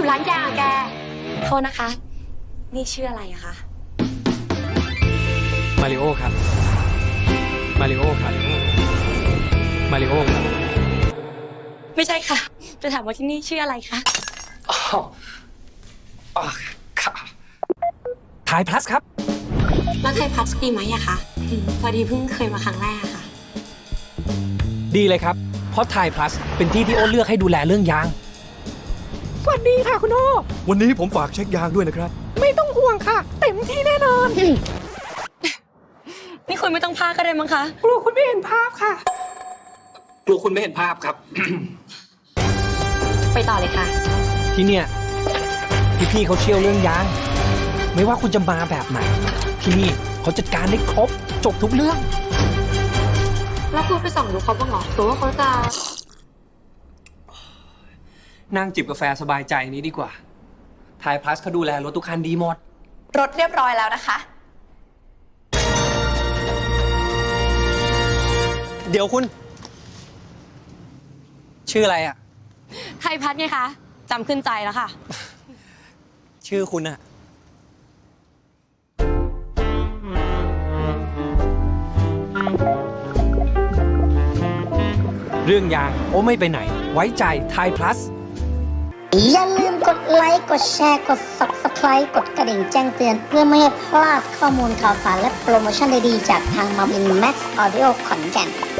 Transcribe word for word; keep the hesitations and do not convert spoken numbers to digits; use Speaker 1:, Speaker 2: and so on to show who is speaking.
Speaker 1: ร้านยางอะแกโทษนะคะ นี่ชื่ออะไรอะคะ
Speaker 2: มาริโอครับ มาริโอครับ มาริโอครับ
Speaker 1: ไม่ใช่ค่ะ จะถามว่าที่นี่ชื่ออะไรคะ
Speaker 2: อ๋ออ๋อครับถ่ายพลัสครับ
Speaker 1: แล้วไทยพัสดีไหมอะคะอืมพอดีเพิ่งเคยมาครั้งแรกอะค่ะ
Speaker 2: ดีเลยครับ เพราะไทยพลัสเป็นที่ที่โอ้เลือกให้ดูแลเรื่องยาง สวัสดีค่ะคุณโอ
Speaker 3: วันนี้ผมฝากเช็คยางด้วยนะครับ
Speaker 2: ไม่ต้องห่วงค่ะ เต็มที่แน่นอน
Speaker 1: นี่คุณไม่ต้องพาก็ได้มั้งคะ
Speaker 2: กลัวคุณไม่เห็นภาพค่ะ กลัวคุณไม่เห็นภาพครับ
Speaker 1: ไปต่อเลยค่ะ
Speaker 2: ที่เนี่ยพี่ๆเขาเชี่ยวเรื่องยาง ไม่ว่าคุณจะมาแบบไหน ที่นี่เขาจัดการได้ครบ จบทุกเรื่อง
Speaker 1: แล้วคุณไปส่องดูเขาบ้างเหรอหรือว่าเขาจะ
Speaker 2: นั่งจิบกาแฟสบายใจนี้ดีกว่าไทยพลัสเขาดูแลรถทุกคันดีหมด
Speaker 4: รถเรียบร้อยแล้วนะคะ
Speaker 2: เดี๋ยวคุณ ชื่ออะไรอ่ะ
Speaker 1: ไทยพัสไงคะจำขึ้นใจแล้วค่ะ
Speaker 2: ชื่อคุณอะเรื่องยางโอ้ไม่ไปไหน ไว้ใจไทยพลัส
Speaker 5: อย่าลืมกดไลค์ กดแชร์ กด ซับสไครบ์ กดกระดิ่งแจ้งเตือนเพื่อไม่ให้พลาดข้อมูลข่าวสารและโปรโมชั่นดีๆจากทางมาวินแม็กซ์ออดิโอขอนแก่น